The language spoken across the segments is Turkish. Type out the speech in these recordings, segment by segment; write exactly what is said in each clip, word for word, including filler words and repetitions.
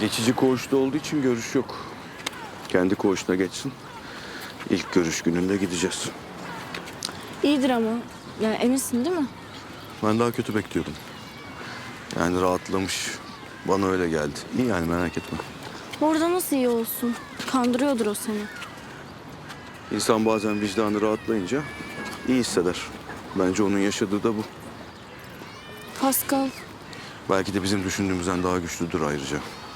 Geçici koğuşta olduğu için görüş yok. Kendi koğuşuna geçsin. İlk görüş gününde gideceğiz. İyidir ama. Yani eminsin değil mi? Ben daha kötü bekliyordum. Yani rahatlamış. Bana öyle geldi. İyi yani, merak etme. Orada nasıl iyi olsun? Kandırıyordur o seni. İnsan bazen vicdanı rahatlayınca iyi hisseder. Bence onun yaşadığı da bu. Pascal, Belki de bizim düşündüğümüzden daha güçlüdür ayrıca.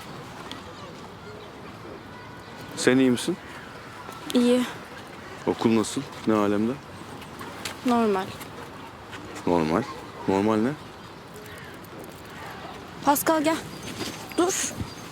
Sen iyi misin? iyi, Okul nasıl? Ne alemde? normal. Normal. Normal ne? Pascal gel. Dur.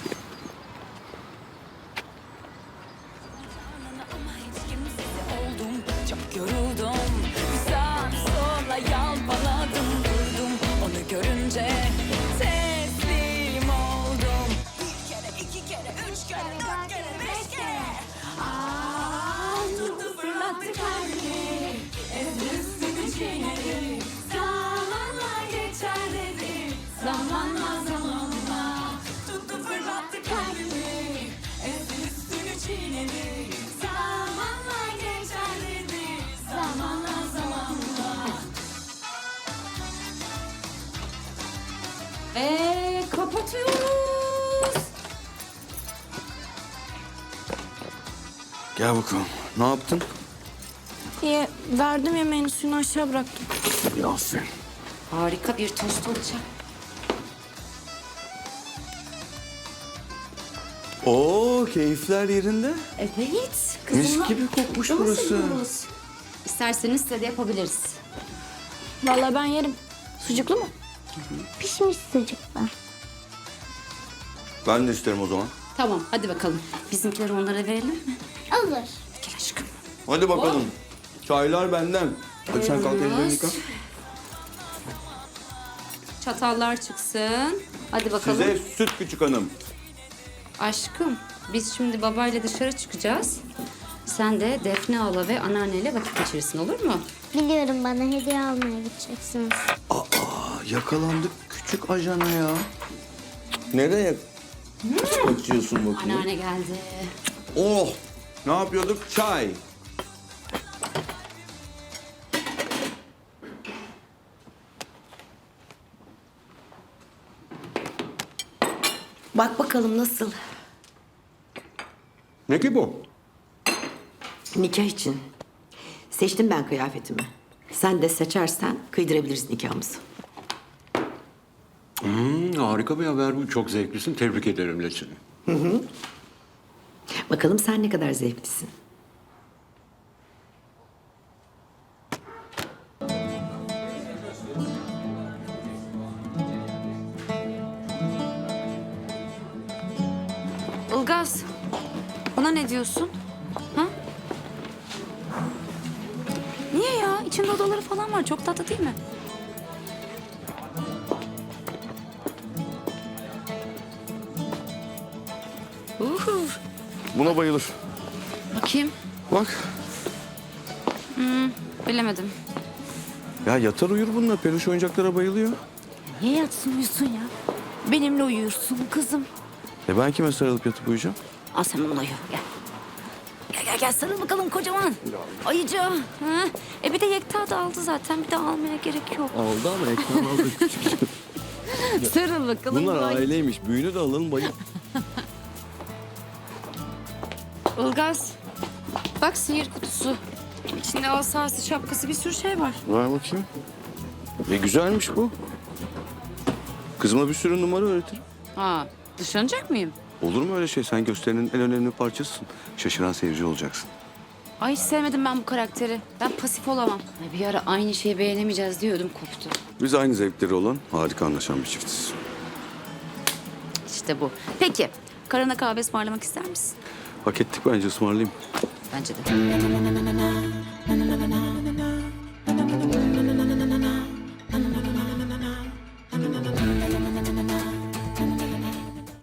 Oldum, çok yoruldum. Bir sağa bir sola yalpaladım, durdum. Onu görünce teslim oldum. Bir kere, iki kere, üç kere, dört kere, beş kere. Aa, tuttu fırlattı kalbimi. Ezdi üstünü çiğnedi. Zamanla geçer dedi. Zamanla zamanla. Tuttu fırlattı kalbimi. Ezdi üstünü çiğnedi. Zamanla geçer dedi. Zamanla zamanla. Ve kapatıyoruz. Gel bakalım. Ne yaptın? İyi, verdim yemeğini, suyunu aşağı bıraktım. Ya aferin. Harika bir tost olacak. Oo, keyifler yerinde. Evet. Mis gibi kokmuş burası. İsterseniz size de yapabiliriz. Vallahi ben yerim. Sucuklu mu? Pişmiş sucuklar. Ben de isterim o zaman. Tamam, hadi bakalım. Bizimkileri onlara verelim mi? Olur. Gel aşkım. Hadi bakalım. Çaylar benden. Hadi sen kalk ellerini yıka. Çatallar çıksın. Hadi bakalım. Size süt küçük hanım. Aşkım, biz şimdi babayla dışarı çıkacağız. Sen de Defne hala ve anneanneyle vakit geçirirsin, olur mu? Biliyorum, bana hediye almaya gideceksiniz. Aa, yakalandık küçük ajana ya. Nereye kaçıyorsun bakayım? Anneanne geldi. Oh! Ne yapıyorduk? Çay. Bak bakalım nasıl? Ne ki bu? Nikah için. Seçtim ben kıyafetimi. Sen de seçersen kıydırabiliriz nikahımızı. Hmm, harika bir haber bu. Çok zevklisin. Tebrik ederim Leçin. Bakalım sen ne kadar zevklisin. Ilgaz, ona ne diyorsun? Ha? Niye ya? İçinde odaları falan var. Çok tatlı değil mi? Uhu. Buna bayılır. Bakayım. Bak. Bilemedim. Ya yatar uyur bununla. Peluş oyuncaklara bayılıyor. Niye yatsın uyusun ya? Benimle uyursun kızım. E ben kime sarılıp yatıp uyuyacağım? Al sen onunla uyu. Gel. Gel gel gel sarıl bakalım kocaman. Ayıcı. Ha? E bir de Yekta da aldı zaten. Bir de almaya gerek yok. Aldı ama ekran aldı. Sarıl bakalım. Bunlar Ay. aileymiş. Büyüğünü de alın bayıl. Ilgaz, bak sihir kutusu. İçinde asası, şapkası bir sürü şey var. Ver bakayım. E güzelmiş bu. Kızıma bir sürü numara öğretirim. Ha, dışlanacak mıyım? Olur mu öyle şey? Sen gösterinin en önemli parçasısın. Şaşıran seyirci olacaksın. Ay hiç sevmedim ben bu karakteri. Ben pasif olamam. Ay, bir ara aynı şeyi beğenemeyeceğiz diyordum, koptu. Biz aynı zevkleri olan harika anlaşan bir çiftiz. İşte bu. Peki, karına kahve ısmarlamak ister misin? Hak ettik, bence ısmarlayayım. Bence de.